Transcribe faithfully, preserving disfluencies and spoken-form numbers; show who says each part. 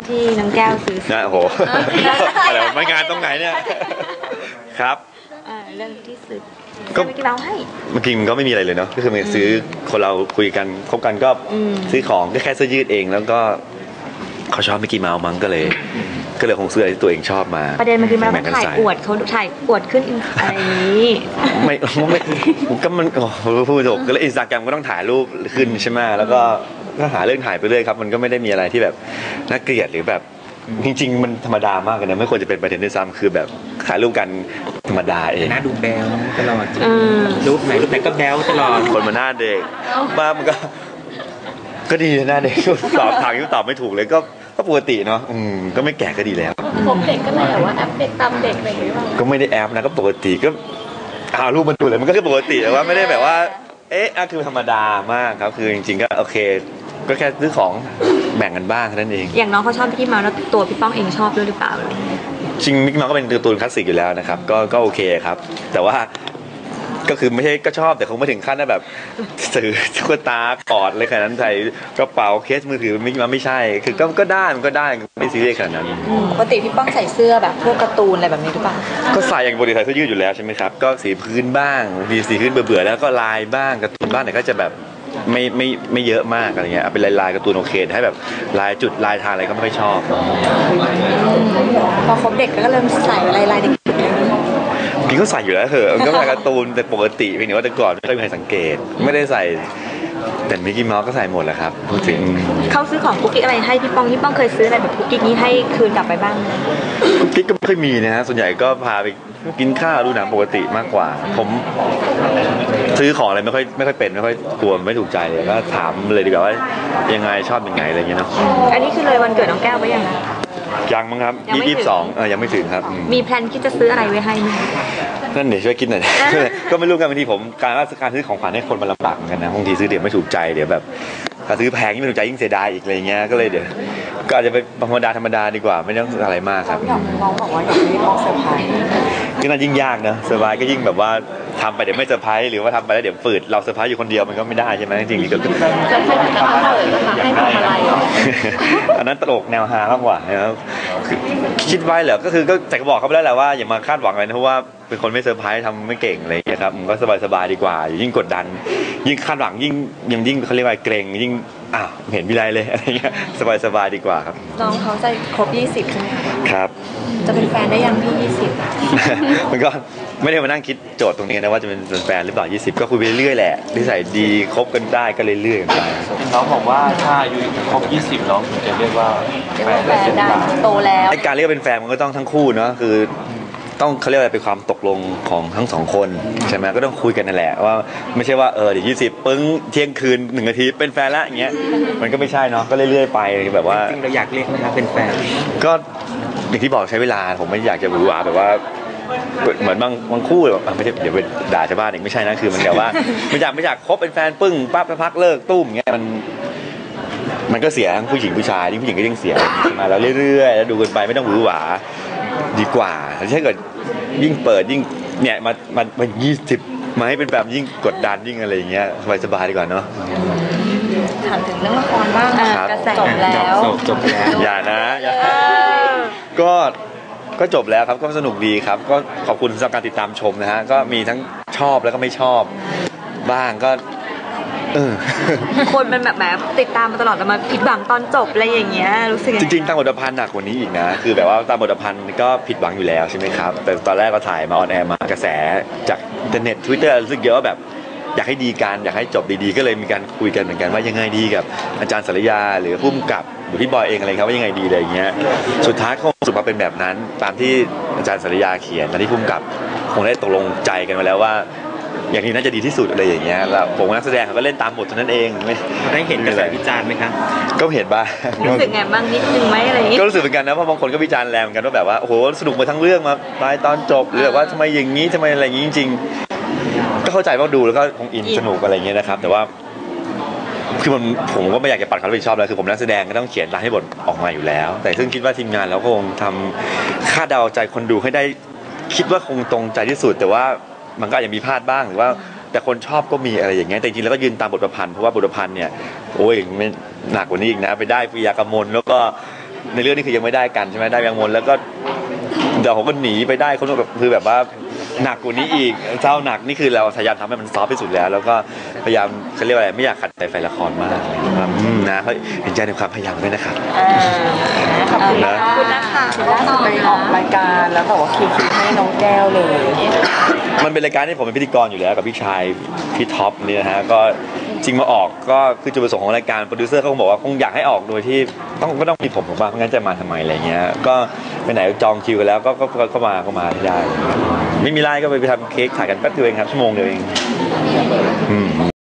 Speaker 1: ที่น้องแก้วซื้อ
Speaker 2: นะโอ้โหอะไรไม่งานตรงไหนเนี่ยครับ
Speaker 1: เรื่องที่ซื้อก็ไม่กี่เมาให้
Speaker 2: เมื่อกี้มันก็ไม่มีอะไรเลยเนาะก็คือมันซื้อคนเราคุยกันคบกันก็ซื้อของก็แค่เสื้อยืดเองแล้วก็เขาชอบมิกกี้เมาส์มั้งก็เลยก็เลยคงซื้ออะไรที่ตัวเองชอบมา
Speaker 1: ประเด็นมันคือมันถ่ายอวดเขาถ่ายอวดขึ้นอะไรนี้
Speaker 2: ไม่ไม่ก็มันพูดถูกก็เลยอินสตาแกรมก็ต้องถ่ายรูปขึ้นใช่ไหมแล้วก็ก็หาเรื่องถ่ายไปเรื่อยครับมันก็ไม่ได้มีอะไรที่แบบน่าเกลียดหรือแบบจริงๆมันธรรมดามากเลยนะไม่ควรจะเป็นประเด็นด้วยซ้ำคือแบบถ่ายรูปกันธรรมดาเอง
Speaker 3: หน้าดูแบลตลอดรูปไหนรูปไหนก็แบลตลอด
Speaker 2: คนมาหน้าเด็กบ้ามันก็ก็ดีหน้าเด็กตอบทางที่ตอบไม่ถูกเลยก็ก็ปกติเนาะอืมก็ไม่แก่ก็ดีแล้ว
Speaker 1: ผมเด็กก็เลยแต่ว่าแอปเด็กตามเด็กอะไรอย่างเงี้ย
Speaker 2: ก็ไม่ได้แอปนะก็ปกติก็เอารูปมันดูเลยมันก็คือปกติแต่ว่าไม่ได้แบบว่าเอ๊ะคือธรรมดามากครับคือจริงๆก็โอเคก็แค่ซื้อของแบ่งกันบ้างนั่นเอง
Speaker 1: อย่างน้องเขาชอบพี่เมาแล้วตัวพี่ป้องเองชอบด้วยหรือเปล่า
Speaker 2: จริงมิกเมาก็เป็นการ์ตูนคลาสสิกอยู่แล้วนะครับก็ก็โอเคครับแต่ว่าก็คือไม่ใช่ก็ชอบแต่คงไม่ถึงขั้นนะแบบซื้อตุ๊กตากอดอะไรขนาดนั้นใส่กระเป๋าเคสมือถือมิกเมาไม่ใช่คือก็ก็ได้มันก็ได้ไม่ซีเรียสขนาดนั้น
Speaker 1: ปกติพี่ป้องใส่เสื้อแบบพวกการ์ตูนอะไรแบบนี้หรือเปล่า
Speaker 2: ก็ใส่อย่างปกติใส่เสื้อยืดอยู่แล้วใช่ไหมครับก็สีพื้นบ้างมีสีพื้นเบื่อๆแล้วก็ลายบ้างการ์ตูนบ้างแต่ก็จะแบบไม่ไม่ไม่เยอะมากอะไรเงี้ยเป็นลายลายการ์ตูนโอเคให้แบบลายจุดลายทางอะไรก็ไม่ค่อยชอบ
Speaker 1: พอคบเด็กก็เริ่มใส่ลายลายเด็ก
Speaker 2: พี่ก็ใส่อยู่แล้วเหอะก็ใส่การ์ตูนแต่ปกติเพียงแต่ว่าแต่ก่อนไม่เคยมีใครสังเกตไม่ได้ใส่แต่มิกกี้เมาส์ก็ใส่หมดแหละครับพูดถึง
Speaker 1: เขาซื้อของกุ๊กกิ๊กอะไรให้พี่ป้องพี่ป้องเคยซื้ออะไรแบบกุ๊กกิ๊กนี้ให้คืนกลับไปบ้าง
Speaker 2: กุ๊กกิ๊กก็ไม่เคยมีนะฮะส่วนใหญ่ก็พาไปกินข้าวดูหนังปกติมากกว่าผมซื้อของอะไรไม่ค่อยไม่ค่อยเป็นไม่ค่อยกลัวไม่ถูกใจเลยก็ถามเลยดีกว่าว่ายังไงชอบยังไงอะไรเงี้ยเนาะ
Speaker 1: อันนี้คือเลยวันเกิดน้องแก้วไปยัง
Speaker 2: ยังมั้งครับยี่สิบสองเออยังไม่ถึงครับ
Speaker 1: มีแพลนที่จะซื้ออะไรไว้ให้ไหม
Speaker 2: นั่นเดี๋ยวช่วยคิดหน่อยก็ไม่รู้กันบางทีผมการว่าการซื้อของขวัญให้คนมันลำบากกันนะบางทีซื้อเดี๋ยวไม่ถูกใจเดี๋ยวแบบถ้าซื้อแพงยิ่งไม่ถูกใจยิ่งเสียดายอีกอะไรเงี้ยก็เลยเดี๋ยวก็อาจจะเป็นธรรมดาธรรมดาดีกว่าไม่ต้องอะไรมากครับ
Speaker 1: น้องบอกว่าอยากให้ป้องเซอร์ไพรส์
Speaker 2: ก็น่ายิ่งยากนะเซอร์ไพรส์ก็ยิ่งแบบว่าทำไปเดี๋ยวไม่เซอร์ไพรส์หรือว่าทำไปแล้วเดี๋ยวฝืดเราเซอร์ไพรส์อยู่คนเดียวมันก็ไม่ได้ใช่ไหมจริงๆก็
Speaker 1: จะให้ทำอะไรให้ทำอะไร
Speaker 2: อันนั้นตลกแนวฮามากกว่านะครับคิดไว้เหรอก็คือก็แต่ก็บอกเขาไปแล้วแหละว่าอย่ามาคาดหวังอะไรนะเพราะว่าเป็นคนไม่เซอร์ไพรส์ทำไม่เก่งอะไรอย่างเงี้ยครับมันก็สบายๆดีกว่ายิ่งกดดันยิ่งคาดหวังยิ่งยังยิ่งเขาเรียกว่าเกรงยิ่งอ้าวเห็นวิไลเลยอะไรเงี้ยสบายๆดีกว่าครับ
Speaker 1: น้องเขาจะครบยี่สิบใช่ไหมคะ
Speaker 2: ครับ
Speaker 1: จะเป็นแฟนได้ยังพี่ยี่สิบ
Speaker 2: มันก็ไม่ได้มานั่งคิดโจทย์ตรงนี้นะว่าจะเป็นแฟนหรือเปล่ายี่สิบก็คุยไปเรื่อยๆแหละนิสัยดีคบกันได้ก็เรื่อยๆกันไป
Speaker 3: น้องบอกว่าถ้าอายุครบยี่สิบน้องถึงจะเรียกว่า
Speaker 1: แฟนได้โตแล้ว
Speaker 2: การเรียกเป็นแฟนมันก็ต้องทั้งคู่เนาะคือต้องเขาเรียกอะไรเป็นความตกลงของทั้งสองคนใช่ไหมก็ต้องคุยกันนั่นแหละว่าไม่ใช่ว่าเออเดี๋ยวยี่สิบปึ้งเที่ยงคืนหนึ่งนาทีเป็นแฟนละอย่างเงี้ยมันก็ไม่ใช่เนาะก็เรื่อยๆไปแบบว่า
Speaker 3: จริงเราอยากเรียกไหมครับเป็นแฟน
Speaker 2: ก็อย่างที่บอกใช้เวลาผมไม่อยากจะหวือหวาแบบว่าเหมือนบางบางคู่แบบไม่ใช่เดี๋ยวไปด่าชาวบ้านเองไม่ใช่นะคือมันแบบว่าไม่อยากไม่อยากคบเป็นแฟนปึ้งปั๊บพักเลิกตุ้มอย่างเงี้ยมันมันก็เสียทั้งผู้หญิงผู้ชายที่ผู้หญิงก็ยิ่งเสียมาแล้วเรื่อยๆแล้วดูกันไปไม่ต้องหวือหวาดีกว่าถ้าเกิดยิ่งเปิดยิ่งเนี่ยมามามายี่สิบมาให้เป็นแบบยิ่งกดดันยิ่งอะไรอย่างเงี้ยสบายๆดีกว่าเนาะ
Speaker 1: ถามถึงเรื่องละครบ้างกระแสจบแล้ว
Speaker 3: จบแล้ว
Speaker 2: อย่านะก็ก็จบแล้วครับก็สนุกดีครับก็ขอบคุณสำหรับการติดตามชมนะฮะก็มีทั้งชอบแล้วก็ไม่ชอบบ้างก็เออ
Speaker 1: คนมันแบบแบบติดตามมาตลอดแต่มาผิดหวังตอนจบอะไรอย่างเงี้ยรู้สึก
Speaker 2: จริงๆตามบทพันธ์หนักกว่านี้อีกนะคือแบบว่าตามบทพันธ์ก็ผิดหวังอยู่แล้วใช่ไหมครับแต่ตอนแรกก็ถ่ายมาออนแอร์มากระแสจากอินเทอร์เน็ต Twitter รู้สึกเยอะว่าแบบอยากให้ดีกันอยากให้จบดีๆก็เลยมีการคุยกันเหมือนกันว่ายังไงดีกับอาจารย์สรยาหรือผู้กำกับหรือพี่บอยเองอะไรครับว่ายังไงดีอะไรอย่างเงี้ยสุดท้ายก็สุดมาเป็นแบบนั้นตามที่อาจารย์สรยาเขียนและที่ผู้กำกับคงได้ตกลงใจกันมาแล้วว่าอย่างนี้น่าจะดีที่สุดอะไรอย่างเงี้ยแล้วผมนักแสดงเขาก็เล่นตามบทเท่านั้นเองไม่
Speaker 3: ได้เห็นกระแสวิจารณ์ไหมครับ
Speaker 2: ก็เห็นบ้าง
Speaker 1: รู้สึกไงบ้างนิดนึงไหมอะไรอย่างงี้
Speaker 2: ก็รู้สึกเหมือนกันนะเพราะบางคนก็วิจารณ์แรงเหมือนกันว่าแบบว่าโอ้โหสนุกมาทั้งเรื่องมาตายตอนจบหรือแบบว่าทำไมอย่างนี้ทำไมอะไรอย่างนี้จริงๆก็เข้าใจว่าดูแล้วก็คงอินสนุกอะไรอย่างเงี้ยนะครับแต่ว่าคือมันผมก็ไม่อยากจะปัดความรับผิดชอบแล้วคือผมนักแสดงก็ต้องเขียนรายให้บทออกมาอยู่แล้วแต่ซึ่งคิดว่าทีมงานเราก็คงทำคาดเดาใจคนดูให้ได้คิดว่าคงตรงใจที่สุดแต่ว่ามันก็อาจจะมีพลาดบ้างหรือว่าแต่คนชอบก็มีอะไรอย่างเงี้ยแต่จริงๆแล้วก็ยืนตามบทประพันธ์เพราะว่าบทประพันธ์เนี่ยโอ้ยไม่หนักกว่านี้อีกนะไปได้ปิยากมลแล้วก็ในเรื่องนี้คือยังไม่ได้กันใช่ไหมได้ยังมนแล้วก็เดี๋ยวผมก็หนีไปได้คนแบบคือแบบว่าหนักกว่านี้อีกเจ้าหนักนี่คือเราพยายามทำให้มันซอฟที่สุดแล้ว แล้วก็พยายามเขาเรียกว่าอะไรไม่อยากขัดใจแฟนละครมากนะครับอืมนะเขาเห็นใจในความพยายามด้วยนะครับ
Speaker 4: ขอบคุณนะ
Speaker 1: ขอบคุณนะคะ
Speaker 4: ล่าสุดไปออกรายการแล้วบอกว่าคิวคิวให้น้องแก้วเลย
Speaker 2: มันเป็นรายการที่ผมเป็นพิธีกรอยู่แล้วกับพี่ชายพี่ท็อปเนี่ยนะฮะก็จริงมาออกก็คือจุดประสงค์ของรายการโปรดิวเซอร์เขาคงบอกว่าคงอยากให้ออกโดยที่ต้องก็ต้องมีผมผมว่าไม่งั้นจะมาทำไมอะไรเงี้ยก็ไปไหนจองคิวกันแล้วก็ก็ก็ก็มาก็มาได้ไม่มีไลน์ก็ไปไปทำเค้กถ่ายกันแป๊บเดียวเองครับชั่วโมงเดียวเองอืม